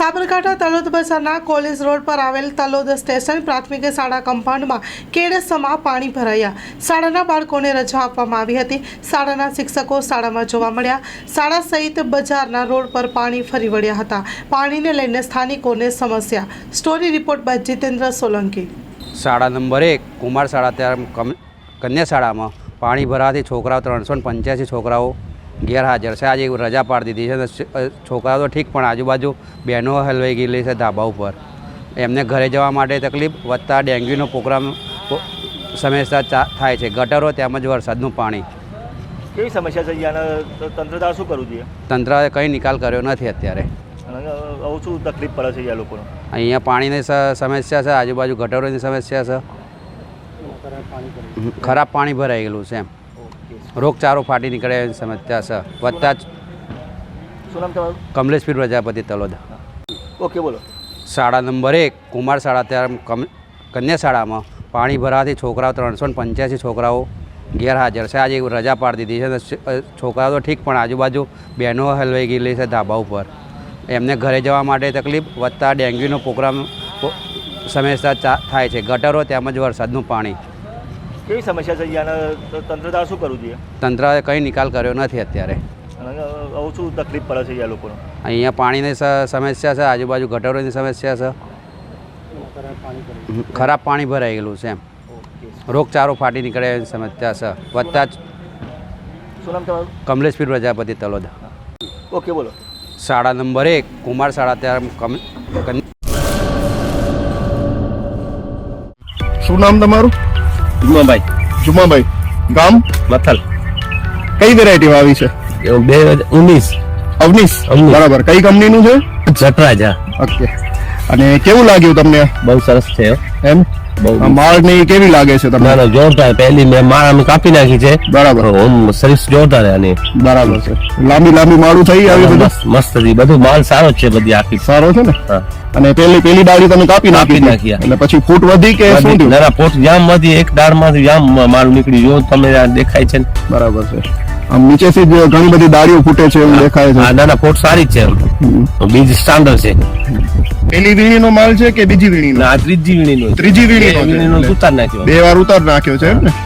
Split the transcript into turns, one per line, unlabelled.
સાબરકાંઠા તલોદ બજારના college road પર આવેલ તલોદ સ્ટેશન પ્રાથમિક શાળા કમ્પાઉન્ડમાં કેડસમાં પાણી ભરાયા. શાળાના બાળકોને રજા આપવામાં આવી હતી. શાળાના શિક્ષકો શાળામાં જોવા મળ્યા. શાળા સહિત બજારના રોડ પર પાણી ફરી વળ્યા હતા. પાણીને લઈને સ્થાનિકોને સમસ્યા. Story report by Jitendra Solanki.
શાળા નંબર 1 કુમાર શાળા ત્યાં કન્યા શાળામાં પાણી ભરાવાથી છોકરાઓ 385 છોકરાઓ ગેરહાજર છે. આજે રજા પાડી દીધી છે. છોકરાઓ તો ઠીક, પણ આજુબાજુ બહેનો હલવાઈ ગયેલી છે ધાબા ઉપર. એમને ઘરે જવા માટે તકલીફ વધતા ડેન્ગ્યુનો પ્રોગ્રામ સમસ્યા થાય છે. ગટરો તેમજ વરસાદનું પાણી.
કેવી સમસ્યા છે અહીંયા? તંત્ર દ્વારા શું કરવું જોઈએ?
તંત્રએ કંઈ નિકાલ કર્યો નથી અત્યારે.
આવું શું તકલીફ પડે છે અહીંયા લોકોને?
અહીંયા પાણીની સમસ્યા છે, આજુબાજુ ગટરોની સમસ્યા છે, ખરાબ પાણી ભરાઈ ગયેલું છે. એમ રોગચાળો ફાટી નીકળે એવી સમસ્યા છે. વધતા જ
શું નામ તમારું?
કમલેશપીર પ્રજાપતિ તલોદ.
ઓકે, બોલો.
શાળા નંબર 1 કુમાર શાળા ત્યાં કન્યા શાળામાં પાણી ભરાવાથી છોકરાઓ 385 છોકરાઓ ગેરહાજર છે. આજે રજા પાડી દીધી છે. છોકરાઓ તો ઠીક, પણ આજુબાજુ બહેનો હલવાઈ ગયેલી છે ધાબા ઉપર. એમને ઘરે જવા માટે તકલીફ વધતા ડેન્ગ્યુનો પ્રોગ્રામ સમસ્યા થાય છે. ગટરો તેમજ વરસાદનું પાણી.
કેવી સમસ્યા છે અહીંયા? તંત્ર દ્વારા શું કરવું જોઈએ?
તંત્રએ કંઈ નિકાલ કર્યો નથી અત્યારે.
આવું શું તકલીફ પડે છે અહીંયા લોકોને?
અહીંયા પાણીની સમસ્યા છે, આજુબાજુ ગટરોની સમસ્યા છે, ખરાબ પાણી ભરાઈ ગયેલું છે. એમ રોગચાળો ફાટી નીકળે એવી સમસ્યા છે. વધતા જ
શું નામ તમારું?
કમલેશપીર પ્રજાપતિ તલોદ.
ઓકે, બોલો.
શાળા નંબર 1 કુમાર શાળા ત્યાં
શું નામ તમારું? જુમાભાઈ. ગામ?
મથલ.
કઈ વેરાયટી આવી છે?
2019.
અવનીશ. બરાબર. કઈ કંપનીનું છે?
જટરાજ.
ઓકે. અને કેવું લાગ્યું તમને?
બહુ સરસ છે
એમ માળ ની કેવી લાગે છે તમને?
ના, જોરદાર. પહેલી મેં માળ અમે કાપી નાખી છે.
બરાબર.
સર્વિસ જોરદાર આની.
બરાબર છે. લાંબી માળું થઈ આવી બધું?
મસ્ત હતી. બધું માલ સારો છે, બધી આખી
સારો છે ને?
હા.
અને પેલી ડાળી તમે કાપી નાખી એટલે પછી ફૂટ વધી કે શું થયું?
ના, પોટ જામ માંથી એક દાળ માંથી જામ માલ નીકળી. જો તમે દેખાય છે ને?
બરાબર છે. આમ નીચેથી જ ઘણી બધી ડાળીઓ ફૂટે છે એવું દેખાય છે.
હા, ના, પોટ સારી જ છે. બીજ સ્ટાન્ડર્ડ છે.
પેલી વીણીનો માલ છે કે બીજી વીણીનો?
ના, ત્રીજી વીણીનો.
ત્રીજી વીણીનો
ઉતાર નાખ્યો.
2 વાર ઉતાર નાખ્યો છે એમ ને?